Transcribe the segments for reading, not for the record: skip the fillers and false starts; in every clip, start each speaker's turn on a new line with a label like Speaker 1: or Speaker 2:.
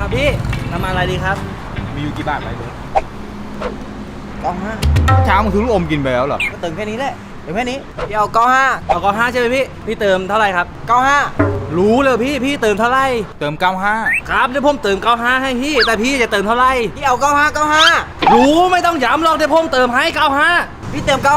Speaker 1: ครับพี่น้ำมันอะไรดีครับ
Speaker 2: มีอยู่กี่บาทไปเบิร์ด
Speaker 1: 95
Speaker 2: เช้ามึงซื้อลูกอมกินไปแล้วเหรอ
Speaker 1: ก็เติมแค่นี้แหละเติมแค่นี้พี่เอา95เอา95ใช่ไหมพี่เติมเท่าไหร่ครับ95รู้เลยพี่เติมเท่าไหร่
Speaker 2: เติม95
Speaker 1: ครับเดี๋ยวผมเติม95ให้พี่แต่พี่จะเติมเท่าไหร่พี่เอา95รู้ไม่ต้องย้ำหรอกเดี๋ยวผมเติมให้95พี่เติม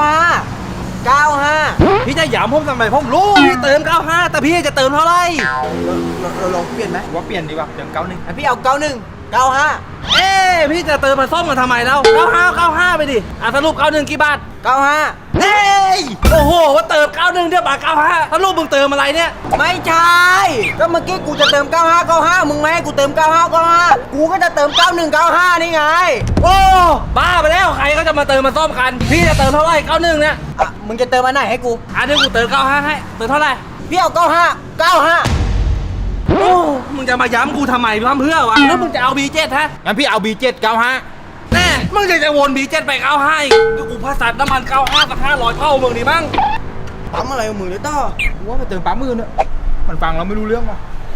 Speaker 1: 95พี่จะย้ำผมทำไมผมรู้พี่เติม95แต่พี่จะเติมเท่าไหร่เราลองเปลี่ยนไหม
Speaker 2: ว่าเปลี่ยนดีกว่าเติม91
Speaker 1: พี่เอา95พี่จะเติมมาซ่อมกันทำไมแล้ว95ไปดิสรุป91กี่บาท95เฮ้ยโอ้โหว่าเติม91เดี๋ยวบาท95สรุปมึงเติมอะไรเนี่ยไม่ใช่ก็เมื่อกี้กูจะเติม95มึงไม่ให้กูเติม95กูก็จะเติม9195นี่ไงโอ้บ้าไปแล้วใครก็จะมาเติมมาซ่อมกันพี่จะเติมเท่าไหร่91เนี่ยมึงจะเติมอันไหนให้กูเดี๋ยวกูเติม95ให้เติมเท่าไหร่พี่เอา95โอ้มึงจะมาย้ำกูทำไมทำเพื่อวะแล้วมึงจะเอา B7 ฮะ
Speaker 2: งั้นพี่เอา B7 95
Speaker 1: แน่มึงจะวน B7 ไป95อีกกูพาสัตว์น้ำมัน95กับ500เท่ามึงดิบ้างปั๊มอะไรของมึงเลยต้อ
Speaker 2: กูว่าไปเติมปั๊มมือเนอะมันฟังเราไม่รู้เรื่องว่ะ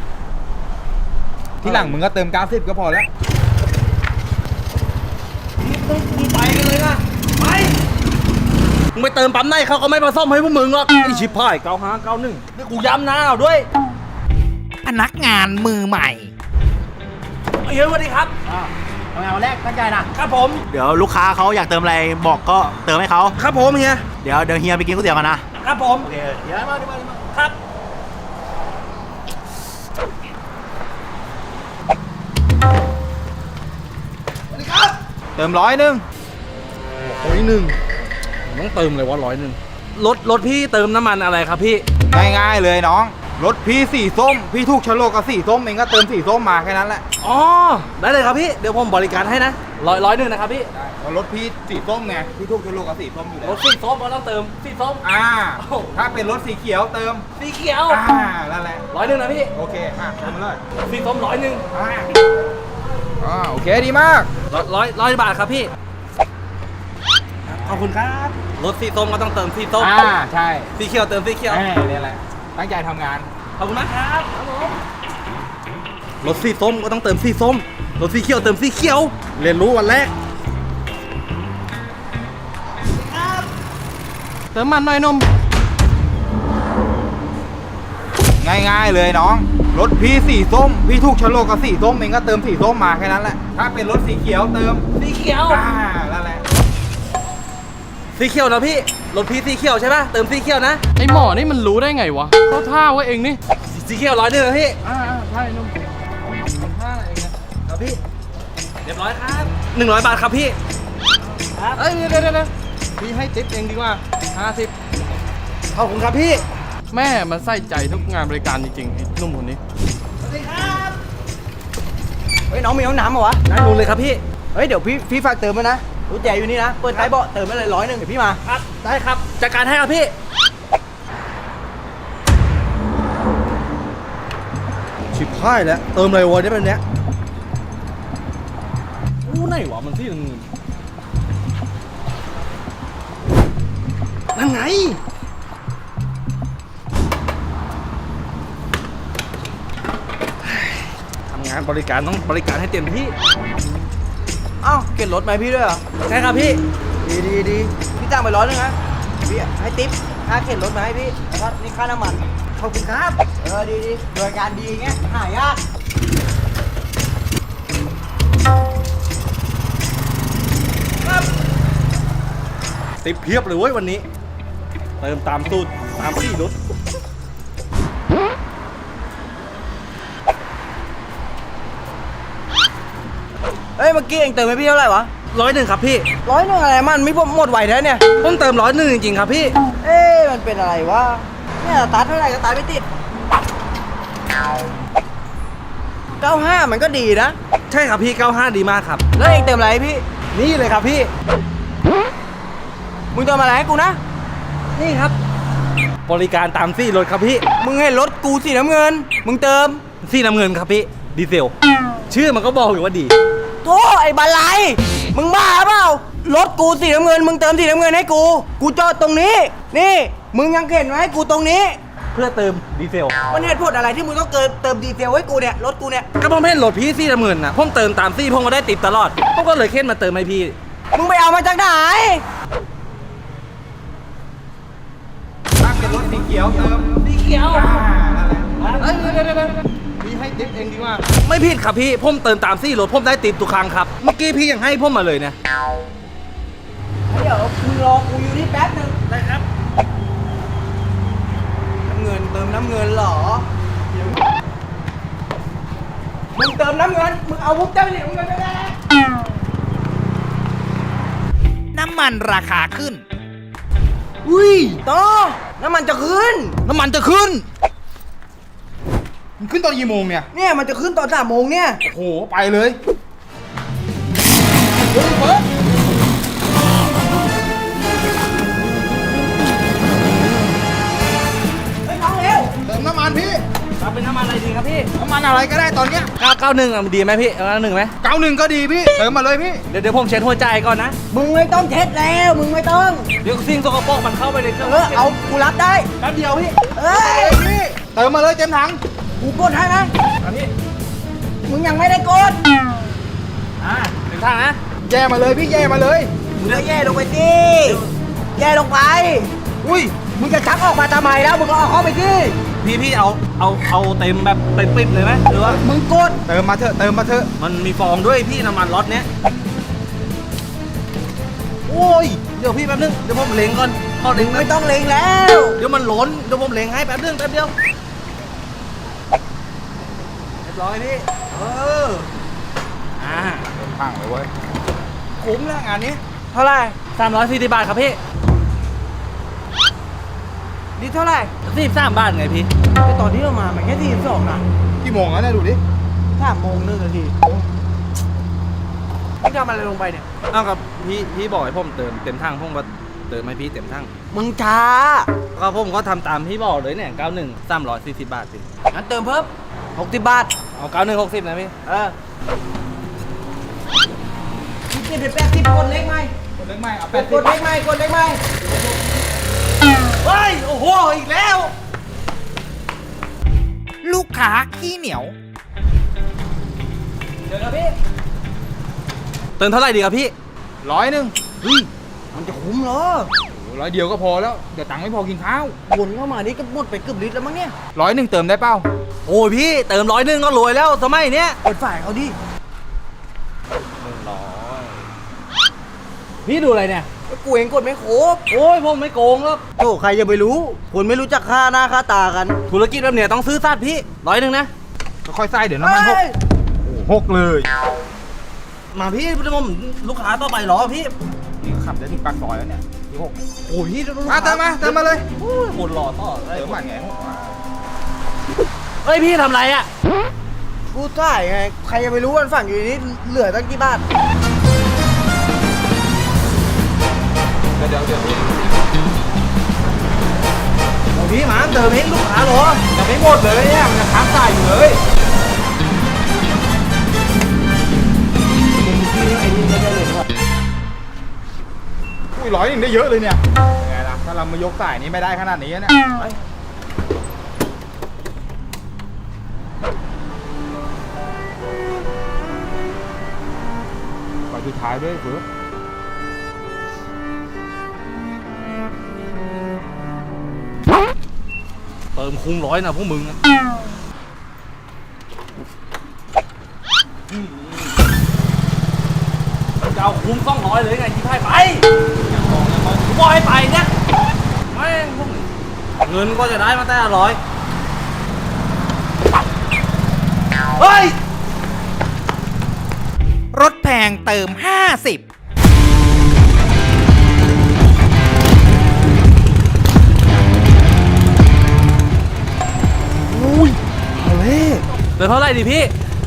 Speaker 2: ที่หลังมึงก็เติม90ก็พอแล้ว
Speaker 1: มึงไปกันเลยนะไปมึงไปเติมปั๊มไหนเขาก็ไม่มาซ่อมให้พวกมึงหรอกไอชิบหาย95 91นี่กูย้ำนะเอาด้วย
Speaker 3: พนักงานมือใหม่
Speaker 1: เฮ้ยสวัสดีครับ
Speaker 4: ทำงานวันแรกตั้งใจนะครับ
Speaker 1: ผม
Speaker 4: เดี๋ยวลูกค้าเขาอยากเติมอะไรบอกก็เติมให้เขา
Speaker 1: ครับผมเฮีย
Speaker 4: เดี๋ยวเฮียไปกินก๋วยเตี๋ยวกันนะครับ
Speaker 1: ผม
Speaker 4: โอเคเดี๋ยวมา
Speaker 1: ครับสวัสดีครับ
Speaker 2: เติม100นึง
Speaker 1: 100ต้องเติมเลยวะ100รถพี่เติมน้ำมันอะไรครับพี่
Speaker 2: ง่ายๆเลยน้องรถพี่สีส้มพี่ถูกโฉลกกับสีส้มเองก็เติมสีส้มมาแค่นั้นแหละ
Speaker 1: อ๋อได้เลยครับพี่เดี๋ยวผมบริการให้นะร้อยหนึ่งนะครับพี่
Speaker 2: เพราะรถพี่สีส้มไงพี่ถูกโฉลกกับสีส้มอยู่แล้
Speaker 1: ร
Speaker 2: ว
Speaker 1: ถสีส้มก็ต้องเติมสีส้ม
Speaker 2: ถ้าเป็นรถสีเขียวเติม
Speaker 1: สีเขียว
Speaker 2: นั่นแหละ
Speaker 1: 100นะพี่
Speaker 2: โอเคเติมมาเลย
Speaker 1: สีส้ม
Speaker 2: โอเคดีมาก
Speaker 1: 100บาทครับพี่ขอบคุณครับรถสีส้มก็ต้องเติมสีส้ม
Speaker 2: ใช่
Speaker 1: สีเขียวเติมสีเขียว
Speaker 2: นี่แหละตั้งใจทำงาน
Speaker 1: ขอบคุณมากครับผมรถสีส้มก็ต้องเติมสีส้มรถสีเขียวเติมสีเขียวเรียนรู้วันแรกเติมมันหน่อยนม
Speaker 2: ง่ายๆเลยน้องรถพี่สีส้มพี่ถูกโฉลกกับสีส้มเองก็เติมสีส้มมาแค่นั้นแหละถ้าเป็นรถสีเขียวเติม
Speaker 1: สีเขียว
Speaker 2: นั่นแหละ
Speaker 1: สีเขียวนะพี่รถพี่สีเขียวใช่ป่ะเติมสีเขียวนะ
Speaker 5: ไอหมอนี่มันรู้ได้ไงวะเขาท่าไว้เองนี่
Speaker 1: สีเขียว100นะพี่
Speaker 5: ใช่นุ่ม
Speaker 1: ครับพี่เรียบร้อยครับ100 บาทครับพี่ครับ
Speaker 5: เอ้ยเดี๋ยวพี่ให้ติ๊ปเองดีกว่า50
Speaker 1: ขอบคุณครับพี่
Speaker 5: แม่มันใส่ใจทุกงานบริการจริงๆไอ้นุ่มคนนี้
Speaker 1: สวัสดีครับเฮ้ยน้องมีห้องน้ำเหรอวะได้รู้เลยครับพี่เฮ้ยเดี๋ยวพี่ฝากเติมมานะรู้แจอยู่นี่นะเปิดท้ายเบาะเติมไปเลย100เดี๋ยวพี่มาครับได้ครับจัดการให้ครับพี่ชิบหายแล้วเติมเลยวะเนี่ยเป็นเนี้ยอู้ไหนวะมันที่นั่นไงทำงานบริการต้องบริการให้เต็มที่อ้าวเก็บรถไหมพี่ด้วยเหรอใช่ครับพี่ดีพี่จ้างไป100นะพี่ให้ติ๊บค่าเข็นรถมาให้พี่แล้วก็นี่ค่าน้ำมันขอบคุณครับดีบริการดีเงี้ยหายากครับติ๊บเพียบเลยเว้ยวันนี้เติมตามสูตรตามที่รถเฮ้ยเมื่อกี้เองเติมให้พี่เท่าไหร่วะ100ครับพี่100อะไรมันไม่หมดไหวแล้วเนี่ยต้องเติม100จริงๆครับพี่มันเป็นอะไรวะเนี่ยสตาร์ทเท่าไหร่ก็สตาร์ทไม่ติด95มันก็ดีนะใช่ครับพี่95ดีมากครับแล้วเองเติมอะไรให้พี่นี่เลยครับพี่มึงเติมอะไรให้กูนะนี่ครับบริการตามซี่รถครับพี่มึงให้รถกูสีน้ำเงินมึงเติมสีน้ำเงินครับพี่ดีเซลชื่อมันก็บอกอยู่ว่าดีโธ่ไอ้บาลัยมึงบ้าเปล่ารถกูสีน้ำเงินมึงเติมสีน้ำเงินให้กูจอดตรงนี้นี่มึงยังเข็นไว้ให้กูตรงนี้เพื่อเติมดีเซล
Speaker 6: มันเหตุผลอะไรที่มึงต้องเติมดีเซลให้กูเนี่ยรถกูเนี่ย
Speaker 1: ก็ผมเห็นรถพี่ซี่ละหมื่นนะผมเติมตามซี่ผมก็ได้ติดตลอดผมก็เลยเค้นมาเติมให้พี่
Speaker 6: มึงไปเอามาจากไหน
Speaker 2: ถ้าเป็นรถสีเขียวเติม
Speaker 1: สีเขียว
Speaker 5: เฮ้ยพี่ให้ติ๊บเองดีกว่า
Speaker 1: ไม่ผิดครับพี่ผมเติมตามซี่รถผมได้ติดทุกครั้งครับเมื่อกี้พี่ยังให้ผมมาเลยเนี่ย
Speaker 6: เดี๋ยวมึงรอกูอยู่นี่แป๊บนึง
Speaker 1: ได้ครับ
Speaker 6: น้ำเงินเติมน้ำเงินเหรอมึงเติมน้ำเงินมึงเอาวุ้บเจ้าเหรียญน้ำเงินไปได้
Speaker 3: น้ำมันราคาขึ้น
Speaker 6: อุ้ยต่อน้ำมันจะขึ้น
Speaker 2: น้ำมันจะขึ้น มันขึ้นตอนกี่โมงเนี่ย
Speaker 6: เนี่ยมันจะขึ้นตอน3 โมงเนี่ย
Speaker 2: โอ้โห ไปเลย
Speaker 6: เฮ้ยน้องเร็ว
Speaker 2: เติมน้ำมันพี่
Speaker 1: เอาเป็นน้ำมันอะไรดีครับพี่
Speaker 2: น้ำมันอะไรก็ได้ตอนเนี้ย
Speaker 1: 991อ่ะดีไหมพี่91ไหม
Speaker 2: 91ก็ดีพี่ เติมมาเลยพี่
Speaker 1: เดี๋ยวผมเช็ดหัวใจก่อนนะ
Speaker 6: มึงไม่ต้องเช็ดแล้วมึงไม่ต้อง
Speaker 1: เดี๋ยวสิ่งสกปรกมันเข้าไปในเครื่อง
Speaker 6: เอากูรับได้
Speaker 1: แป๊บเดียวพี่
Speaker 6: เอ้ย
Speaker 2: พี่ เติมมาเลยเต็มถัง
Speaker 6: กูกดให้ไหม
Speaker 1: อันนี้
Speaker 6: มึงยังไม่ได้กด
Speaker 1: ถึงทางนะ
Speaker 2: แย่มาเลยพี่ แย่มาเลย
Speaker 6: มึงก็แย่ลงไปสิแย่ลงไป
Speaker 2: อุ้ย
Speaker 6: มึงจะชักออกมาทำไมแล้วมึงก็เอาเข้าไปสิ
Speaker 1: พี่เอาเต็มแบบเต็มปิ๊บเลยไหมหรือว่า
Speaker 6: มึงกด
Speaker 2: เติมมาเถอะ เติมมาเถอะ
Speaker 1: มันมีฟองด้วยพี่น้ำมันรถเนี้ยโอ้ยเดี๋ยวพี่แป๊บนึงเดี๋ยวผมเล็งก่อนพอ
Speaker 6: มึ
Speaker 1: เล็ง
Speaker 6: ง
Speaker 1: แป๊
Speaker 6: ไม่
Speaker 1: บ
Speaker 6: ต้องเล็งแล้ว
Speaker 1: เดี๋ยวมันล้นเดี๋ยวผมเล็งให้แป๊บนึงแป๊บเดียวเรียบร้อยพี่อ่า
Speaker 2: พังเลยเว้ย คุ้มแล้วงานนี้
Speaker 6: เท่าไหร่
Speaker 1: 340 บาทครับพี่
Speaker 6: นี่เท่าไหร่
Speaker 1: 43 บาทไงพี่
Speaker 6: ไอตอนที่เรามามันแค่42นะ
Speaker 2: กี่โมงแล้วเนี่ยดูดิ
Speaker 6: 3 โมง 1 นาทีมึงทำอะไรลงไปเนี่ย
Speaker 1: เอากับพี่บอกให้ผมเติมเต็มทั้งผมก็เติมให้พี่เต็มทั้ง
Speaker 6: มึงช้า
Speaker 1: ก็ผมก็ทำตามพี่บอกเลยเนี่ย91 340 บาทสิ
Speaker 6: งั้นเติมเพิ่ม60 บาท
Speaker 1: เอา91 60นะพี่
Speaker 6: คิดเป็น80กดเล็กไหม
Speaker 2: คนเล็กไหมเอา
Speaker 6: กดเล็กไหมกดเล็กไหม
Speaker 1: เฮ้ยโอ้โหอีกแล้ว
Speaker 3: ลูกค้าขี้เหนียว
Speaker 1: เดี๋ยวนะพี่เติมเท่าไหร่ดีครับพี่
Speaker 2: 100
Speaker 6: เฮ้ยมันจะคุ้มเหรอ
Speaker 2: 100เดียวก็พอแล้ว เดี๋ยวตังค์ไม่พอกินข้าว
Speaker 6: วนเข้ามานี่ก็หมดไปเกือบลิตรแล้วมั้งเนี่ย
Speaker 2: 100เติมได้เปล่า
Speaker 1: โอ้ยพี่เติม100ก็รวยแล้วสมัยเนี้ย
Speaker 6: เปิดฝ่ายเขาดิ
Speaker 1: พี่ดูอะไรเนี่ย
Speaker 6: ก็กูเองกดไม่ครบ
Speaker 1: โอ้ยผมไม่โกงแล้ว
Speaker 6: โอ้ใครจะไปรู้ คนไม่รู้จักค่าหน้าค่าตากัน
Speaker 1: ธุรกิจแบบเนี้ยต้องซื้อสัตว์พี่100นะ
Speaker 2: ค่อยๆใส่เดี๋ยวน้ำมันหก
Speaker 6: เฮ้ย
Speaker 2: หกเลย
Speaker 1: มาพี่ผมลูกค้าต่อไปเหรอพี่
Speaker 2: นี่ขับได้ถึงปากซอยแล้วเนี่ยที่6
Speaker 1: โอ้ยพี่ลูก
Speaker 2: มา
Speaker 1: ค้า
Speaker 2: เติมมาเลย
Speaker 1: โอ้ยหมดหล่อต่อ
Speaker 2: เติมมาไง
Speaker 1: เฮ้ยพี่ทำไรอ่ะ
Speaker 6: กูจ่ายไง ใครจะไปรู้วันฝั่งอยู่นี่เหลือตั้งกี่บาท
Speaker 2: เดี๋ยว
Speaker 1: โอ้พี่หมาเติมให้ลูกค้าเหรอ
Speaker 2: จะไม่หมดเลยเนี่ยมันจะค้างจ่ายอยู่เลยอุ้ย100ได้เยอะเลยเนี่ยยังไงล่ะถ้าเรามายกสายนี้ไม่ได้ขนาดนี้เนี่ยขอสุดท้ายด้วยเฟิร์ส
Speaker 1: เติมคุ้ม100นะพวกมึงอะจะเอาคุ้ม200เลยไงที่ให้ไปกูบอกให้ไปเนี่ยแม่งพวกมึงเงินก็จะได้มาแต่100เฮ้ย
Speaker 3: รถแพงเติม 50
Speaker 1: เติมเท่าไหร่ดิพี่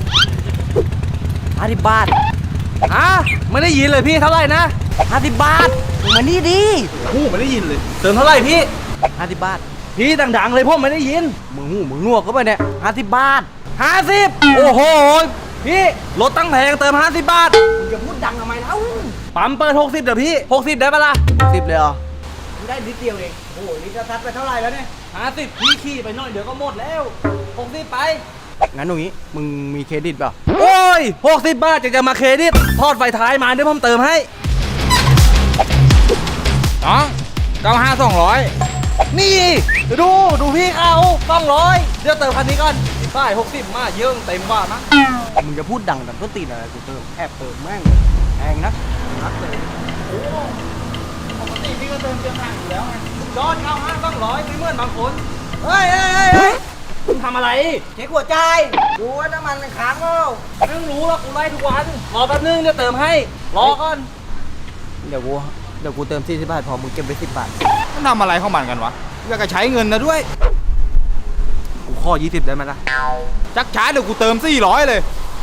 Speaker 6: 50 บาท
Speaker 1: อ่ะไม่ได้ยินเลยพี่เท่าไหร่นะ
Speaker 6: 50 บาทมึงมานี่ดิ
Speaker 1: โอ้ไม่ได้ยินเลย เติมเท่าไหร่พี่
Speaker 6: 50 บาท
Speaker 1: พี่ดังๆเลยผมไม่ได้ยิน
Speaker 6: มึงหูมึงหนวกก็ไปเนี่ย50 บาท
Speaker 1: 50โอ้โหพี่รถตั้งแพงเติม50 บาท
Speaker 6: มึงจะพูดดังทำไมเล่า
Speaker 1: ปั๊มเปิด60เดี๋ยวพี่60ได้ปะล่ะ
Speaker 6: 10เลยเหรอมึงได้นิดเดียวเองโอ้โหนี่จะซัดไปเท่าไหร่แล้วเนี่ย
Speaker 1: 50พี่ขี่ไปหน่อยเดี๋ยวก็หมดแล้ว60ไป
Speaker 6: งั้นตรงนี้มึงมีเครดิตเปล่า
Speaker 1: โอ้ย60 บาทจะมาเครดิตทอดไฟท้ายมาเดี๋ยวผมเติมให้
Speaker 2: น้อง95 200
Speaker 1: นี่ดูพี่เขา200เดี๋ยวเติมคันนี้ก่อนป้าย60มาเยอะเต็มว่ามั้ง
Speaker 6: มึงจะพูดดังแต่ก็ตีนอะไรกูเติมแอบเติมแม่งแพงนักนักเลย
Speaker 1: ปกติพี่ก็เติมเต็มถังอยู่แล้วไงยอด95 200ไม่เหมือนบางคนเฮ้ยคุณทำอะไร
Speaker 6: เช็คหัวใจดูว่าน้ำมันมันค้างเปล่า
Speaker 1: ไม่ต้องรู้หรอกกูไล่ทุกวันรอแป๊บนึงเดี๋ยวเติมให้รอก่อน
Speaker 6: เดี๋ยวกูเติม40 บาทพอมึงเก็บไป10 บาท
Speaker 2: มันทำอะไรของมันกันวะอยากจะใช้เงินนะด้วย
Speaker 1: กูข้อ20ได้ไหมล่ะ
Speaker 2: ชักช้าเดี๋ยวกูเติม400เลย